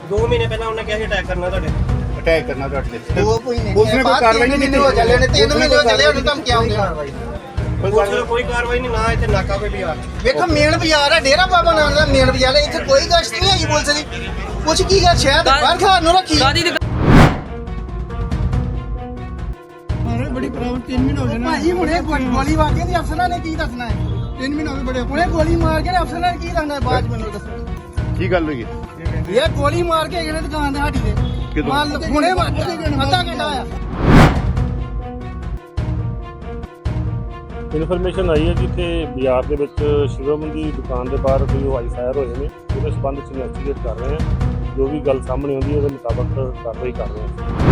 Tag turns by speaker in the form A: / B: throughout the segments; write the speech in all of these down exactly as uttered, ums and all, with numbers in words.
A: दो महीने पहले उन्होंने क्या अटैक करना ਤੁਹਾਡੇ
B: ਅਟੈਕ ਕਰਨਾ ਤੁਹਾਡੇ ਤੇ
C: दो महीने
B: उसने कोई कार्रवाई नहीं की
C: हो चले ने तीन महीने हो चले ਉਹਨੂੰ ਧਮਕੀਆਂ ਆਉਂਦੀਆਂ
A: ਪੁਲਿਸ ਵੱਲੋਂ ਕੋਈ ਕਾਰਵਾਈ ਨਹੀਂ ਨਾ ਇੱਥੇ ਨਾਕਾ ਕੋਈ ਵੀ ਆ
C: ਵੇਖੋ ਮੇਨ ਬਾਜ਼ਾਰ ਹੈ ਡੇਰਾ ਬਾਬਾ ਨਾਨਕ ਦਾ ਮੇਨ ਬਾਜ਼ਾਰ ਹੈ ਇੱਥੇ ਕੋਈ ਗਸ਼ਤ ਨਹੀਂ ਹੈਗੀ ਪੁਲਿਸ ਦੀ ਕੁਛ ਕੀ ਗੱਲ ਸ਼ਹਿਰ ਦੇ ਬਾਹਰ ਖਾਣ ਨੂੰ ਰੱਖੀ
D: ਮਾਰੇ ਬੜੀ ਪ੍ਰੋਬਲਮ ਤਿੰਨ ਮਹੀਨੇ ਹੋ ਗਏ ਨਾ
C: ਭਾਜੀ ਹੁਣੇ ਗੋਲੀ ਮਾਰ ਕੇ ਅਫਸਰਾਂ ਨੇ ਕੀ ਦੱਸਣਾ ਹੈ
D: ਤਿੰਨ ਮਹੀਨੇ ਹੋ ਗਏ ਬੜੇ
C: ਹੁਣੇ ਗੋਲੀ ਮਾਰ ਕੇ ਅਫਸਰਾਂ ਨੇ ਕੀ ਦੱਸਣਾ ਹੈ ਬਾਅਦ ਮੈਨੂੰ ਦੱਸੋ
B: ਕੀ ਗੱਲ ਹੋਈ
C: ਇਹ ਗੋਲੀ ਮਾਰ ਕੇ ਇਹਨੇ ਦੁਕਾਨ ਦੇ ਹਾਟੀ ਦੇ ਮਾਲ ਹੁਣੇ ਮਾਰ ਅੱਧਾ ਘੰਟਾ ਆਇਆ
E: ਇਨਫੋਰਮੇਸ਼ਨ ਆਈ ਹੈ ਕਿ ਇੱਥੇ ਬਾਜ਼ਾਰ ਦੇ ਵਿੱਚ ਸ਼ਿਵਮ ਦੀ ਦੁਕਾਨ ਦੇ ਬਾਹਰ ਕੋਈ ਹਵਾਈ ਫਾਇਰ ਹੋਏ ਨੇ ਉਹਦੇ ਸੰਬੰਧ ਵਿੱਚ ਇਨਵੈਸਟੀਗੇਟ ਕਰ ਰਹੇ ਹਾਂ ਜੋ ਵੀ ਗੱਲ ਸਾਹਮਣੇ ਆਉਂਦੀ ਹੈ ਉਹਦੇ ਮੁਤਾਬਕ ਕਾਰਵਾਈ ਕਰ ਰਹੇ ਹਾਂ।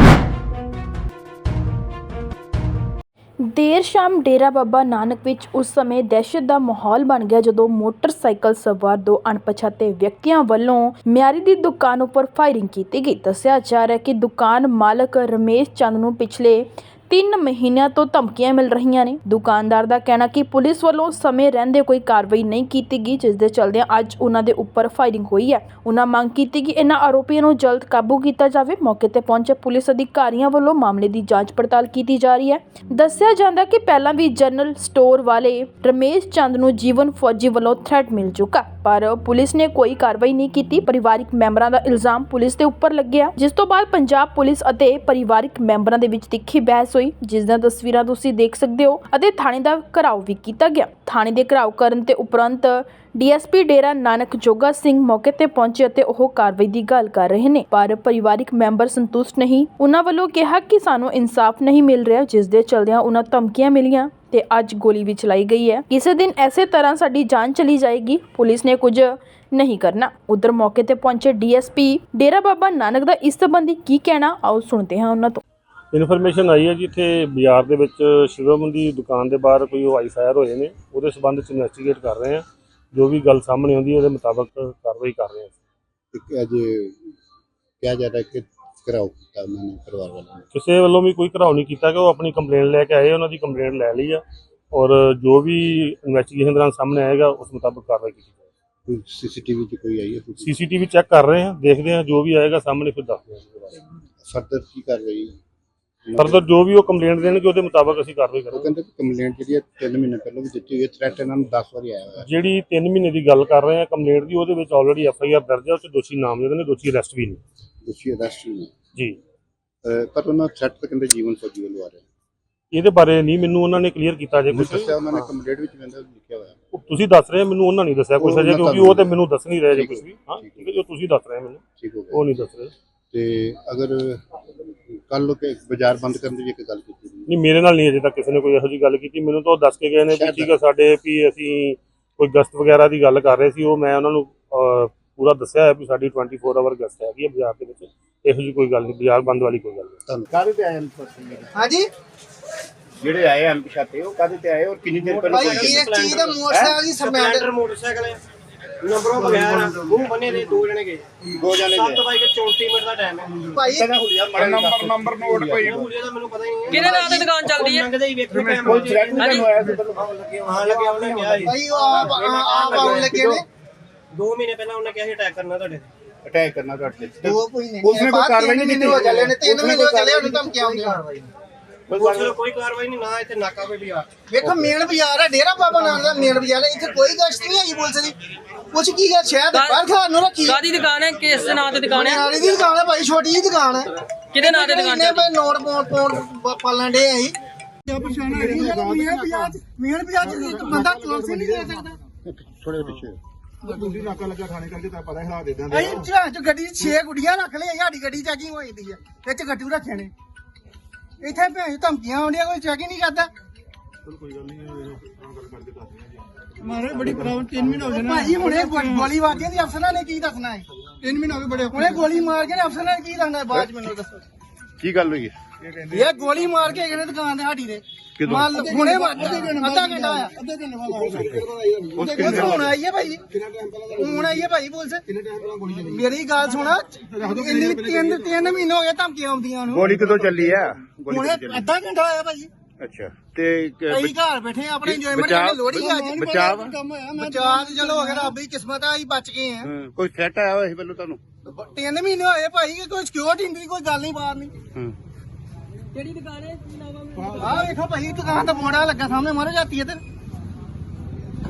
F: ਦੇਰ ਸ਼ਾਮ ਡੇਰਾ ਬਾਬਾ ਨਾਨਕ ਵਿੱਚ ਉਸ ਸਮੇਂ ਦਹਿਸ਼ਤ ਦਾ ਮਾਹੌਲ ਬਣ ਗਿਆ ਜਦੋਂ ਮੋਟਰਸਾਈਕਲ ਸਵਾਰ ਦੋ ਅਣਪਛਾਤੇ ਵਿਅਕਤੀਆਂ ਵੱਲੋਂ ਮਿਆਰੀ ਦੀ ਦੁਕਾਨ ਉੱਪਰ ਫਾਇਰਿੰਗ ਕੀਤੀ ਗਈ। ਦੱਸਿਆ ਜਾ ਰਿਹਾ ਹੈ ਕਿ ਦੁਕਾਨ ਮਾਲਕ ਰਮੇਸ਼ ਚੰਦ ਨੂੰ ਪਿਛਲੇ ਤਿੰਨ ਮਹੀਨਿਆਂ ਤੋਂ ਧਮਕੀਆਂ ਮਿਲ ਰਹੀਆਂ ਨੇ। ਦੁਕਾਨਦਾਰ ਦਾ ਕਹਿਣਾ ਕਿ ਪੁਲਿਸ ਵੱਲੋਂ ਸਮੇਂ ਰਹਿੰਦੇ ਕੋਈ ਕਾਰਵਾਈ ਨਹੀਂ ਕੀਤੀ ਗਈ, ਜਿਸ ਦੇ ਚਲਦਿਆਂ ਅੱਜ ਉਹਨਾਂ ਦੇ ਉੱਪਰ ਫਾਇਰਿੰਗ ਹੋਈ ਹੈ। ਉਹਨਾਂ ਮੰਗ ਕੀਤੀ ਕਿ ਇਹਨਾਂ ਆਰੋਪੀਆਂ ਨੂੰ ਜਲਦ ਕਾਬੂ ਕੀਤਾ ਜਾਵੇ। ਮੌਕੇ ਤੇ ਪਹੁੰਚੇ ਪੁਲਿਸ ਅਧਿਕਾਰੀਆਂ ਵੱਲੋਂ ਮਾਮਲੇ ਦੀ ਜਾਂਚ ਪੜਤਾਲ ਕੀਤੀ ਜਾ ਰਹੀ ਹੈ। ਦੱਸਿਆ ਜਾਂਦਾ ਕਿ ਪਹਿਲਾਂ ਵੀ ਜਨਰਲ ਸਟੋਰ ਵਾਲੇ ਰਮੇਸ਼ ਚੰਦ ਨੂੰ ਜੀਵਨ ਫੌਜੀ ਵੱਲੋਂ ਥ੍ਰੈਟ ਮਿਲ ਚੁੱਕਾ, ਪਰ ਪੁਲਿਸ ਨੇ ਕੋਈ ਕਾਰਵਾਈ ਨਹੀਂ ਕੀਤੀ। ਪਰਿਵਾਰਿਕ ਮੈਂਬਰਾਂ ਦਾ ਇਲਜ਼ਾਮ ਪੁਲਿਸ ਦੇ ਉੱਪਰ ਲੱਗਿਆ, ਜਿਸ ਤੋਂ ਬਾਅਦ ਪੰਜਾਬ ਪੁਲਿਸ ਅਤੇ ਪਰਿਵਾਰਿਕ ਮੈਂਬਰਾਂ ਦੇ ਵਿੱਚ ਤਿੱਖੀ ਬਹਿਸ ਹੋਈ, ਜਿਸ ਦੀਆਂ ਤਸਵੀਰਾਂ ਤੁਸੀਂ ਦੇਖ ਸਕਦੇ ਹੋ ਅਤੇ ਥਾਣੇ ਦਾ ਘਿਰਾਓ ਵੀ ਕੀਤਾ ਗਿਆ। ਥਾਣੇ ਦੇ ਘਿਰਾਓ ਕਰਨ ਤੇ ਉਪਰੰਤ ਡੀਐਸਪੀ ਡੇਰਾ ਨਾਨਕ ਜੋਗਾ ਸਿੰਘ ਮੌਕੇ ਤੇ ਪਹੁੰਚੇ ਅਤੇ ਉਹ ਕਾਰਵਾਈ ਦੀ ਗੱਲ ਕਰ ਰਹੇ ਨੇ, ਪਰ ਪਰਿਵਾਰਿਕ ਮੈਂਬਰ ਸੰਤੁਸ਼ਟ ਨਹੀਂ। ਉਹਨਾਂ ਵੱਲੋਂ ਕਿਹਾ ਕਿ ਸਾਨੂੰ ਇਨਸਾਫ ਨਹੀਂ ਮਿਲ ਰਿਹਾ, ਜਿਸ ਦੇ ਚਲਦਿਆਂ ਉਹਨਾਂ ਧਮਕੀਆਂ ਮਿਲੀਆਂ ਤੇ ਅੱਜ ਗੋਲੀ ਵੀ ਚਲਾਈ ਗਈ ਹੈ। ਕਿਸੇ ਦਿਨ ਐਸੇ ਤਰ੍ਹਾਂ ਸਾਡੀ ਜਾਨ ਚਲੀ ਜਾਏਗੀ, ਪੁਲਿਸ ਨੇ ਕੁਝ ਨਹੀਂ ਕਰਨਾ। ਉਧਰ ਮੌਕੇ ਤੇ ਪਹੁੰਚੇ ਡੀਐਸਪੀ ਡੇਰਾ ਬਾਬਾ ਨਾਨਕ ਦਾ ਇਸ ਸੰਬੰਧੀ ਕੀ ਕਹਿਣਾ, ਆਓ ਸੁਣਦੇ ਹਾਂ ਉਹਨਾਂ ਤੋਂ।
E: ਇਨਫੋਰਮੇਸ਼ਨ ਆਈ ਹੈ ਕਿ ਇੱਥੇ ਬਾਜ਼ਾਰ ਦੇ ਵਿੱਚ ਸ਼ਿਵਮ ਦੀ ਦੁਕਾਨ ਦੇ ਬਾਹਰ ਕੋਈ ਹਵਾਈ ਫਾਇਰ ਹੋਏ ਨੇ ਉਹਦੇ ਸੰਬੰਧ ਵਿੱਚ ਇਨਵੈਸਟੀਗੇਟ ਕਰ ਰਹੇ ਹਾਂ ਜੋ ਵੀ ਗੱਲ ਸਾਹਮਣੇ ਆਉਂਦੀ ਹੈ ਉਹਦੇ ਮੁਤਾਬਕ ਕਾਰਵਾਈ ਕਰ ਰਹੇ ਹਾਂ।
B: ਅੱਜ ਕਿਹਾ ਜਾ ਰਿਹਾ ਕਿ ਘਰਾਓ ਕੀਤਾ ਉਹਨਾਂ ਨੇ ਪਰਿਵਾਰ ਵਾਲਿਆਂ ਨੇ
E: ਕਿਸੇ ਵੱਲੋਂ ਵੀ ਕੋਈ ਘਰਾਓ ਨਹੀਂ ਕੀਤਾ ਕਿ ਉਹ ਆਪਣੀ ਕੰਪਲੇਂਟ ਲੈ ਕੇ ਆਏ, ਉਹਨਾਂ ਦੀ ਕੰਪਲੇਂਟ ਲੈ ਲਈ ਆ ਔਰ ਜੋ ਵੀ ਇਨਵੈਸਟੀਗੇਸ਼ਨ ਦੌਰਾਨ ਸਾਹਮਣੇ ਆਏਗਾ ਉਸ ਮੁਤਾਬਕ ਕਾਰਵਾਈ ਕੀਤੀ ਜਾਏਗੀ।
B: ਕੋਈ ਸੀਸੀਟੀਵੀ 'ਚ ਕੋਈ ਆਈ ਹੈ
E: ਸੀਸੀਟੀਵੀ ਚੈੱਕ ਕਰ ਰਹੇ ਹਾਂ, ਦੇਖਦੇ ਹਾਂ ਜੋ ਵੀ ਆਏਗਾ ਸਾਹਮਣੇ ਫਿਰ ਦੱਸਦੇ ਹਾਂ।
B: ਫਰਦਰ ਕੀ ਕਾਰਵਾਈ
E: ਫਰਦਰ ਜੋ ਵੀ ਉਹ ਕੰਪਲੇਂਟ ਦੇਣਗੇ ਉਹਦੇ ਮੁਤਾਬਕ ਅਸੀਂ ਕਾਰਵਾਈ
B: ਉਹ
E: ਕਰਾਂਗੇ।
B: ਕਹਿੰਦੇ ਕੰਪਲੇਂਟ ਜਿਹੜੀ ਹੈ ਤਿੰਨ ਮਹੀਨੇ ਪਹਿਲਾਂ ਵੀ ਦਿੱਤੀ ਹੋਈ ਹੈ, ਥ੍ਰੈਟ ਇਹਨਾਂ ਨੂੰ ਦਸ ਵਾਰੀ ਆਇਆ ਹੋਇਆ।
E: ਜਿਹੜੀ ਤਿੰਨ ਮਹੀਨੇ ਦੀ ਗੱਲ ਕਰ ਰਹੇ ਹਾਂ ਕੰਪਲੇਂਟ ਦੀ, ਉਹਦੇ ਵਿੱਚ ਆਲਰੇਡੀ ਐਫ ਆਈ ਆਰ ਦਰਜ ਹੈ, ਉਹ 'ਚ ਦੋਸ਼ੀ ਨਾਮਜ਼ਦ ਨੇ, ਦੋਸ਼ੀ ਅਰੈਸਟ ਵੀ ਨੇ
B: ਦੋਸ਼ੀ ਅਰੈਸਟ ਨੇ
E: ਜੀ।
B: ਪਰ ਉਹਨਾਂ ਥ੍ਰੈਟ ਤਾਂ ਕਹਿੰਦੇ ਜੀਵਨ ਫੌਜੀ ਵੱਲੋਂ ਆ ਰਿਹਾ।
E: ਇਹਦੇ ਬਾਰੇ ਨਹੀਂ ਮੈਨੂੰ ਉਹਨਾਂ ਨੇ ਕਲੀਅਰ ਕੀਤਾ ਜੇ ਕੁਝ
B: ਦੱਸਿਆ ਉਹਨਾਂ ਨੇ ਕੰਪਲੇਂਟ ਵਿੱਚ ਕਹਿੰਦਾ ਲਿਖਿਆ ਹੋਇਆ।
E: ਤੁਸੀਂ ਦੱਸ ਰਹੇ ਮੈਨੂੰ ਉਹਨਾਂ ਨਹੀਂ ਦੱਸਿਆ ਕੁਝ ਅਜੇ, ਕਿਉਂਕਿ ਉਹ ਤੇ ਮੈਨੂੰ ਦੱਸ ਨਹੀਂ ਰਹੇ ਜੇ ਕੁਝ ਵੀ। ਹਾਂ ਠੀਕ ਹੈ, ਜੋ ਤੁਸੀਂ ਦੱਸ ਰਹੇ ਮੈਨੂੰ
B: ਠੀਕ ਹੋ ਗਿਆ।
E: ਉਹ ਨਹੀਂ ਦੱਸ ਰਹੇ।
B: ਤੇ ਅਗਰ ਕੱਲ ਨੂੰ ਕਿ ਬਾਜ਼ਾਰ ਬੰਦ ਕਰਨ ਦੀ ਵੀ ਇੱਕ ਗੱਲ ਕੀਤੀ
E: ਨਹੀਂ, ਮੇਰੇ ਨਾਲ ਨਹੀਂ ਅਜੇ ਤੱਕ ਕਿਸੇ ਨੇ ਕੋਈ ਇਹੋ ਜਿਹੀ ਗੱਲ ਕੀਤੀ। ਮੈਨੂੰ ਤਾਂ ਉਹ ਦੱਸ ਕੇ ਗਏ ਨੇ ਵੀ ਠੀਕ ਹੈ ਸਾਡੇ ਵੀ ਅਸੀਂ ਕੋਈ ਗਸ਼ਤ ਵਗੈਰਾ ਦੀ ਗੱਲ ਕਰ ਰਹੇ ਸੀ, ਉਹ ਮੈਂ ਉਹਨਾਂ ਨੂੰ ਪੂਰਾ ਦੱਸਿਆ ਹੈ ਵੀ ਸਾਡੀ ਟਵੈਂਟੀ ਫੋਰ ਆਵਰ ਗਸ਼ਤ ਹੈਗੀ ਹੈ ਬਾਜ਼ਾਰ ਦੇ ਵਿੱਚ, ਇਹੋ ਜਿਹੀ ਕੋਈ ਗੱਲ ਨਹੀਂ, ਬਾਜ਼ਾਰ ਬੰਦ ਵਾਲੀ ਕੋਈ ਗੱਲ ਨਹੀਂ।
B: ਤੁਹਾਨੂੰ ਕਾਹਦੇ ਤੇ ਆਏ ਹਨ
C: ਹਾਂਜੀ
B: ਜਿਹੜੇ ਆਏ ਹਨ ਪਛਾਤੇ ਉਹ ਕਾਹਦੇ ਤੇ ਆਏ ਔਰ ਕਿੰਨੀ ਦੇਰ ਪਹਿਲਾਂ
C: ਭਾਈ ਇਹ ਚੀਜ਼ ਦਾ ਮੋਟਰਸਾਈਕਲ ਦੀ
A: ਸਪਲੈਂਡਰ ਮੋਟਰਸਾਈਕਲ ਹੈ, ਨੰਬਰੋਂ ਬਗੈਰ ਮੂੰਹ ਬੰਨੇ ਦੇ ਦੋ ਜਣੇ ਗਏ,
B: ਦੋ ਜਣੇ
A: ਸੱਤ ਵਜੇ ਕੇ ਚੌਂਤੀ ਮਿੰਟ ਦਾ ਟਾਈਮ ਹੈ।
C: ਭਾਈ
B: ਨੰਬਰ ਨੰਬਰ ਨੋਟ ਭਾਈ
A: ਹੁਲੀਆ ਦਾ ਮੈਨੂੰ ਪਤਾ ਹੀ ਨਹੀਂ ਹੈ
G: ਕਿਹਦੇ ਨਾਂ ਤੇ ਦੁਕਾਨ ਚੱਲਦੀ ਹੈ।
A: ਲੰਘਦੇ ਹੀ ਵੇਖੋ
B: ਕੋਈ
A: ਕੈਮਰੇ
B: ਥ੍ਰੈਟ ਨਹੀਂ ਹੋਇਆ ਸੀ ਪਹਿਲਾਂ
A: ਹਾਂ ਲੱਗਿਆ ਉਹਨੇ ਕਿਹਾ ਸੀ
C: ਭਾਈ ਉਹ ਆਪ ਆਪ ਆਉਣ ਲੱਗੇ ਨੇ
A: ਦੋ ਮਹੀਨੇ ਪਹਿਲਾਂ ਉਹਨੇ ਕਿਹਾ ਸੀ ਅਟੈਕ ਕਰਨਾ ਤੁਹਾਡੇ ਤੇ
B: ਅਟੈਕ ਕਰਨਾ ਤੁਹਾਡੇ ਤੇ
C: ਦੋ ਮਹੀਨੇ
B: ਉਸਨੇ ਕੋਈ ਕਾਰਵਾਈ ਨਹੀਂ ਕੀਤੀ
C: ਹੋ ਚਲੇ ਨੇ ਤਿੰਨ ਮਹੀਨੇ ਹੋ ਚਲੇ ਉਹਨੂੰ ਧਮਕੀਆਂ ਆਉਂਦੀਆਂ
A: ਪੁਲਿਸ ਵੱਲੋਂ ਕੋਈ ਕਾਰਵਾਈ ਨਹੀਂ ਨਾ ਇੱਥੇ ਨਾਕਾ ਕੋਈ ਵੀ ਆ
C: ਵੇਖੋ ਮੇਨ ਬਾਜ਼ਾਰ ਹੈ ਡੇਰਾ ਬਾਬਾ ਨਾਨਕ ਦਾ ਮੇਨ ਬਾਜ਼ਾਰ ਹੈ ਇੱਥੇ ਕੋਈ ਗਸ਼ਤ ਨਹੀਂ ਹੈਗੀ ਪੁਲਿਸ ਦੀ ਕੁਛ ਕੀ ਗੱਲ ਸ਼ਹਿਰ ਦੇ ਬਾਹਰ ਖਾਣ ਨੂੰ ਰੱਖੀ
G: ਕਾਦੀ ਦੁਕਾਨ ਹੈ, ਕਿਸ ਦੇ ਨਾਂ ਤੇ ਦੁਕਾਨ ਹੈ,
C: ਨਾਲੀ ਦੀ ਦੁਕਾਨ ਹੈ ਭਾਈ, ਛੋਟੀ ਜਿਹੀ ਦੁਕਾਨ ਹੈ।
G: ਕਿਹਦੇ ਨਾਂ ਤੇ ਦੁਕਾਨ
C: ਨੇ
G: ਚੱਲਦੀ
C: ਭਾਈ ਨੋਟ ਪਾਉਣ ਪਾਉਣ ਪਾਲਣ ਦੇ ਅਸੀਂ
D: ਕਿਆ ਪਛਾਣ ਹੈ
C: ਮੇਨ ਬਾਜ਼ਾਰ ਮੇਨ ਬਾਜ਼ਾਰ ਚ ਬੰਦਾ ਕਲਾਸ ਨਹੀਂ ਦੇ ਸਕਦਾ।
B: ਥੋੜੇ ਪਿੱਛੇ
D: ਤੁਸੀਂ ਨਾਕਾ ਲੱਗਾ ਥਾਣੇ ਕਰਕੇ ਤਾਂ ਪਤਾ ਹਾਲਾਤ ਇਦਾਂ ਦੇ
C: ਅਸੀਂ ਚਾਹ ਚ ਗੱਡੀ ਚ ਛੇ ਗੁੱਡੀਆਂ ਰੱਖ ਲਈ ਸਾਡੀ ਗੱਡੀ ਚੈਕਿੰਗ ਹੋਈ ਦੀ ਹੈ, ਵਿੱਚ ਗੱਟੂ ਰੱਖੇ ਨੇ, ਇੱਥੇ ਭੈਣ ਧਮਕੀਆਂ ਆਉਂਦੀਆਂ, ਕੋਈ ਚੈਕਿੰਗ ਨਹੀਂ ਕਰਦਾ।
D: ਕੋਈ ਗੱਲ ਨਹੀਂ ਗੱਲ ਕਰਕੇ ਦੱਸਦੇ ਮਾਰੇ ਬੜੀ ਪ੍ਰੋਬਲਮ ਤਿੰਨ ਮਹੀਨੇ ਹੋ ਗਏ ਨਾ
C: ਭਾਜੀ ਹੁਣੇ ਗੋਲੀ ਮਾਰ ਕੇ ਅਫਸਰਾਂ ਨੇ ਕੀ ਦੱਸਣਾ ਹੈ
D: ਤਿੰਨ ਮਹੀਨੇ ਹੋ ਗਏ ਬੜੇ
C: ਹੁਣੇ ਗੋਲੀ ਮਾਰ ਕੇ ਅਫਸਰਾਂ ਨੇ ਕੀ ਦੱਸਣਾ ਹੈ ਬਾਅਦ ਚ ਮੈਨੂੰ ਦੱਸੋ।
B: ਕੀ ਗੱਲ ਹੋਈ
C: ਇਹ ਗੋਲੀ ਮਾਰ ਕੇ ਇਹਨੇ ਦੁਕਾਨ ਦੇ ਹਾਟੀ ਦੇ ਮਾਲ ਹੁਣੇ ਅੱਧਾ ਘੰਟਾ ਆਇਆ
D: ਅੱਧੇ ਘੰਟੇ ਬਾਅਦ
C: ਹੁਣ ਆਈ ਹੈ ਭਾਈ, ਹੁਣ ਆਈ ਹੈ ਭਾਈ ਪੁਲਿਸ। ਮੇਰੀ ਗੱਲ ਸੁਣਾ, ਇੰਨੀ ਤਿੰਨ ਤਿੰਨ ਮਹੀਨੇ ਹੋ ਗਏ ਧਮਕੀਆਂ ਆਉਂਦੀਆਂ ਉਹਨੂੰ।
B: ਗੋਲੀ ਕਦੋਂ ਚੱਲੀ ਆ ਗੋਲੀ
C: ਹੁਣੇ
B: ਕਦੋਂ ਚੱਲੀ
C: ਅੱਧਾ ਘੰਟਾ ਆਇਆ ਭਾਈ।
B: ਅੱਛਾ ਤੇ
C: ਕਈ ਘਰ ਬੈਠੇ ਆ, ਆਪਣੇ ਇੰਜੋਇਮੈਂਟ
B: ਬਚਾਅ-
C: ਕਰਨ ਲੋੜੀ ਅੱਜ
B: ਬਚਾਅ
C: ਬਚਾਅ ਤੇ ਚਲੋ ਅਗਰ ਆਪਣੀ ਕਿਸਮਤ ਆ ਅਸੀਂ ਬਚ ਗਏ ਆ।
B: ਕੋਈ ਥ੍ਰੈਟ ਆਇਆ ਹੋਇਆ ਸੀ ਪਹਿਲਾਂ ਤੁਹਾਨੂੰ
C: ਤਿੰਨ ਮਹੀਨੇ ਹੋਏ ਭਾਈ ਕਿ ਕੋਈ ਸਿਕਿਉਰਿਟੀ ਨਹੀਂ ਕੋਈ ਗੱਲ ਨਹੀਂ ਬਾਹਰ ਨਹੀਂ
B: ਹੂੰ
G: ਕਿਹੜੀ ਦੁਕਾਨ ਹੈ
C: ਆਹ ਵੇਖੋ ਭਾਈ ਦੁਕਾਨ ਤੇ ਮੋੜਾ ਲੱਗਾ ਸਾਹਮਣੇ ਮਾਰੇ ਜਾਤੀ ਹੈ ਤੇ